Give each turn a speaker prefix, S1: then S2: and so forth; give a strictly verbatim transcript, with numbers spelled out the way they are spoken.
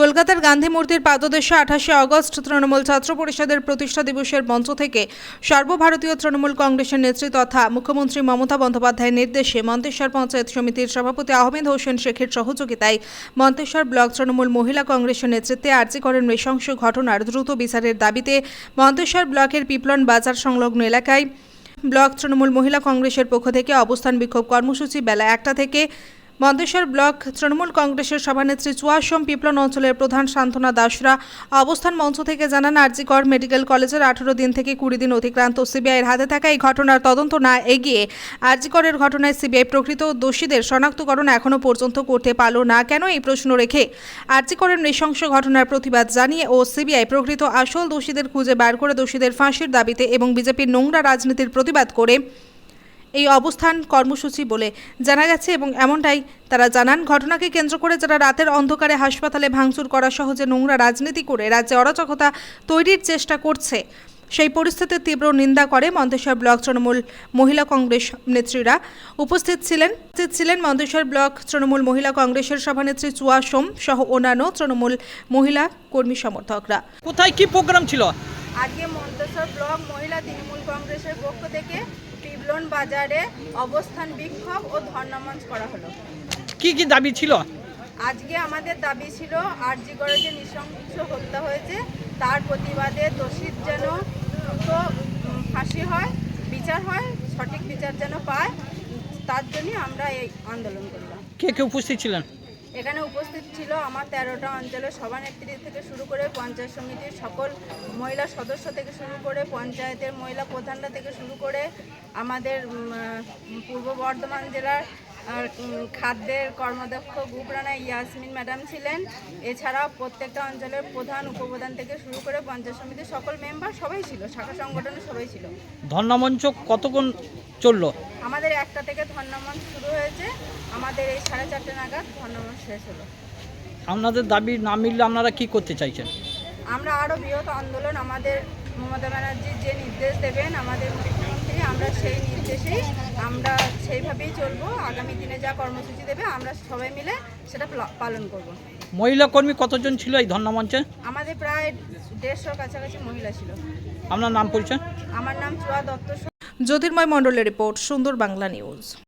S1: কলকাতার গান্ধী মূর্তির পাদদেশে আঠাশে আগস্ট তৃণমূল ছাত্র পরিষদের প্রতিষ্ঠা দিবসের মঞ্চ থেকে সর্বভারতীয় তৃণমূল কংগ্রেসের নেত্রী তথা মুখ্যমন্ত্রী মমতা বন্দ্যোপাধ্যায়ের নির্দেশে মন্তেশ্বর পঞ্চায়েত সমিতির সভাপতি আহমেদ হোসেন শেখের সহযোগিতায় মন্তেশ্বর ব্লক তৃণমূল মহিলা কংগ্রেসের নেতৃত্বে আরজি করের নৃশংস ঘটনার দ্রুত বিচারের দাবিতে মন্তেশ্বর ব্লকের পিপলন বাজার সংলগ্ন এলাকায় ব্লক তৃণমূল মহিলা কংগ্রেসের পক্ষ থেকে অবস্থান বিক্ষোভ কর্মসূচি বেলা একটা থেকে মন্তেশ্বর ব্লক তৃণমূল কংগ্রেসের সভানেত্রী চুয়াশম পিপলন অঞ্চলের প্রধান সান্ত্বনা দাসরা অবস্থান মঞ্চ থেকে জানান, আরজি কর মেডিকেল কলেজের আঠারো দিন থেকে কুড়ি দিন অতিক্রান্ত সিবিআইয়ের হাতে থাকা এই ঘটনার তদন্ত না এগিয়ে আরজি করের ঘটনায় সিবিআই প্রকৃত দোষীদের শনাক্তকরণ এখনও পর্যন্ত করতে পারল না কেন, এই প্রশ্ন রেখে আরজি করের নৃশংস ঘটনার প্রতিবাদ জানিয়ে ও সিবিআই প্রকৃত আসল দোষীদের খুঁজে বার করে দোষীদের ফাঁসির দাবিতে এবং বিজেপির নোংরা রাজনীতির প্রতিবাদ করে এই অবস্থান কর্মসূচি বলে জানা গেছে। এবং এমনটাই তারা জানান, ঘটনাকে কেন্দ্র করে যারা রাতের অন্ধকারে হাসপাতালে ভাঙচুর করা সহ যে নোংরা রাজনীতি করে রাজ্যে অরাজকতা তৈরির চেষ্টা করছে সেই পরিস্থিতির তীব্র নিন্দা করে মন্তেশ্বর ব্লক তৃণমূল মহিলা কংগ্রেস নেত্রীরা। উপস্থিত ছিলেন উপস্থিত ছিলেন মন্তেশ্বর ব্লক তৃণমূল মহিলা কংগ্রেসের সভানেত্রী চুয়াশম সহ অন্যান্য তৃণমূল মহিলা কর্মী সমর্থকরা।
S2: কোথায় কি প্রোগ্রাম ছিল?
S3: আজকে মন্তেশ্বর ব্লক মহিলা তৃণমূল কংগ্রেসের পক্ষ থেকে পিপলন বাজারে অবস্থান বিক্ষোভ ও ধর্ণা মঞ্চ করা হলো।
S2: কি কি দাবি ছিল?
S3: আজকে আমাদের দাবি ছিল আরজি করে যে নৃশংস হত্যা হয়েছে তার প্রতিবাদে দোষীর যেন দ্রুত ফাঁসি হয়, বিচার হয়, সঠিক বিচার যেন পায়, তার জন্য আমরা এই আন্দোলন করলাম।
S2: কে কে উপস্থিত ছিলেন?
S3: এখানে উপস্থিত ছিল আমার তেরোটা অঞ্চলের সভানেত্রী থেকে শুরু করে পঞ্চায়েত সমিতির সকল মহিলা সদস্য থেকে শুরু করে পঞ্চায়েতের মহিলা প্রধানরা থেকে শুরু করে আমাদের পূর্ব বর্ধমান জেলার খাদ্যের কর্মদক্ষ গুপরানা ইয়াসমিন ম্যাডাম ছিলেন। এছাড়াও প্রত্যেকটা অঞ্চলের প্রধান উপপ্রধান থেকে শুরু করে পঞ্চায়েত সমিতির সকল মেম্বার সবাই ছিল, শাখা সংগঠনের সবাই ছিল।
S2: ধর্ণা মঞ্চ কতক্ষণ চললো?
S3: আমাদের একটা থেকে ধর্ণা মঞ্চ শুরু হয়েছে, আমাদের এই সাড়ে চারটে নাগাদ ধর্ণা মঞ্চ শেষ হলো।
S2: আপনাদের দাবি না মিললে আপনারা কি করতে চাইছেন?
S3: আমরা আরও বৃহৎ আন্দোলন, আমাদের মমতা ব্যানার্জি যে নির্দেশ দেবেন আমাদের মুখ্যমন্ত্রী, আমরা সেই নির্দেশেই আমরা সেইভাবেই চলবো। আগামী দিনে যা কর্মসূচি দেবে আমরা সবাই মিলে সেটা পালন করব।
S2: মহিলা কর্মী কতজন ছিল এই ধর্ণা মঞ্চে?
S3: আমাদের প্রায় দেড়শোর কাছাকাছি মহিলা ছিল।
S2: আপনার নাম পরিচয়?
S3: আমার নাম চুয়া দত্ত।
S1: জ্যোতির্ময় মণ্ডলের রিপোর্ট, সুন্দর বাংলা নিউজ।